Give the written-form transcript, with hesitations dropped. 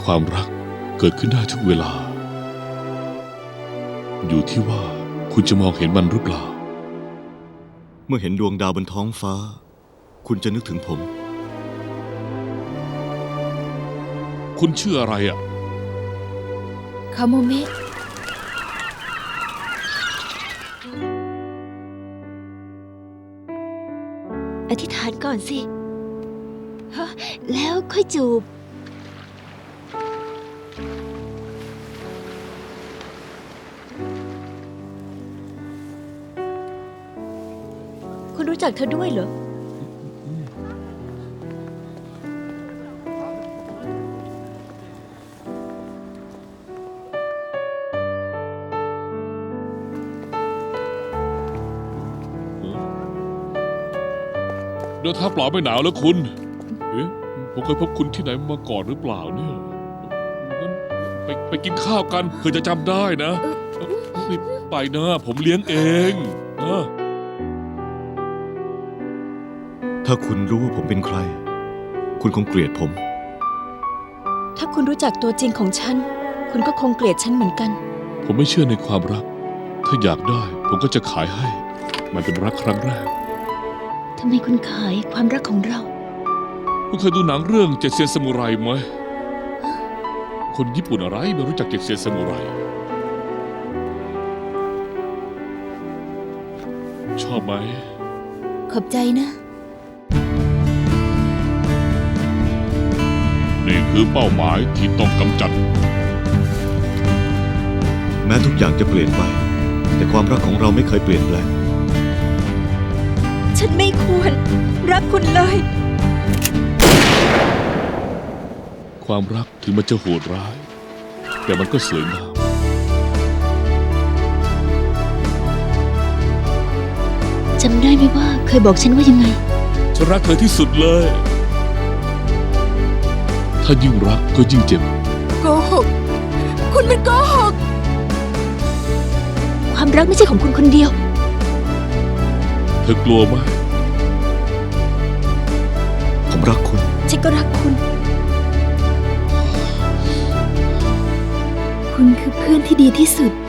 ความรักเกิดขึ้นได้ทุกเวลาอยู่ที่ว่าคุณจะมองเห็นมันหรือเปล่าเมื่อเห็นดวงดาวบนท้องฟ้าคุณจะนึกถึงผมคุณชื่ออะไรอ่ะคาโมเมะอธิษฐานก่อนสิฮะแล้วค่อยจูบคุณรู้จักเธอด้วยเหรอเดินทางเปล่าไม่หนาวแล้วคุณเอ๊ะผมเคยพบคุณที่ไหนมาก่อนหรือเปล่าเนี่ยงั้นไปกินข้าวกันเพื่อจะจำได้นะนี่ไปนะผมเลี้ยงเองนะถ้าคุณรู้ว่าผมเป็นใครคุณคงเกลียดผมถ้าคุณรู้จักตัวจริงของฉันคุณก็คงเกลียดฉันเหมือนกันผมไม่เชื่อในความรักถ้าอยากได้ผมก็จะขายให้มันเป็นรักครั้งแรกทำไมคุณขายความรักของเราคุณเคยดูหนังเรื่องเจ็ดเซียนซามูไรไหมคนญี่ปุ่นอะไรไม่รู้จักเจ็ดเซียนซามูไรชอบไหมขอบใจนะนี่คือเป้าหมายที่ต้องกำจัดแม้ทุกอย่างจะเปลี่ยนไปแต่ความรักของเราไม่เคยเปลี่ยนแปลงฉันไม่ควรรักคุณเลยความรักถึงมันจะโหดร้ายแต่มันก็สวยงามจำได้ไหมว่าเคยบอกฉันว่ายังไงฉันรักเธอที่สุดเลยถ้ายิ่งรักก็ยิ่งเจ็บโกหกคุณมันโกหกความรักไม่ใช่ของคุณคนเดียวเธอกลัวไหมผมรักคุณฉันก็รักคุณคุณคือเพื่อนที่ดีที่สุด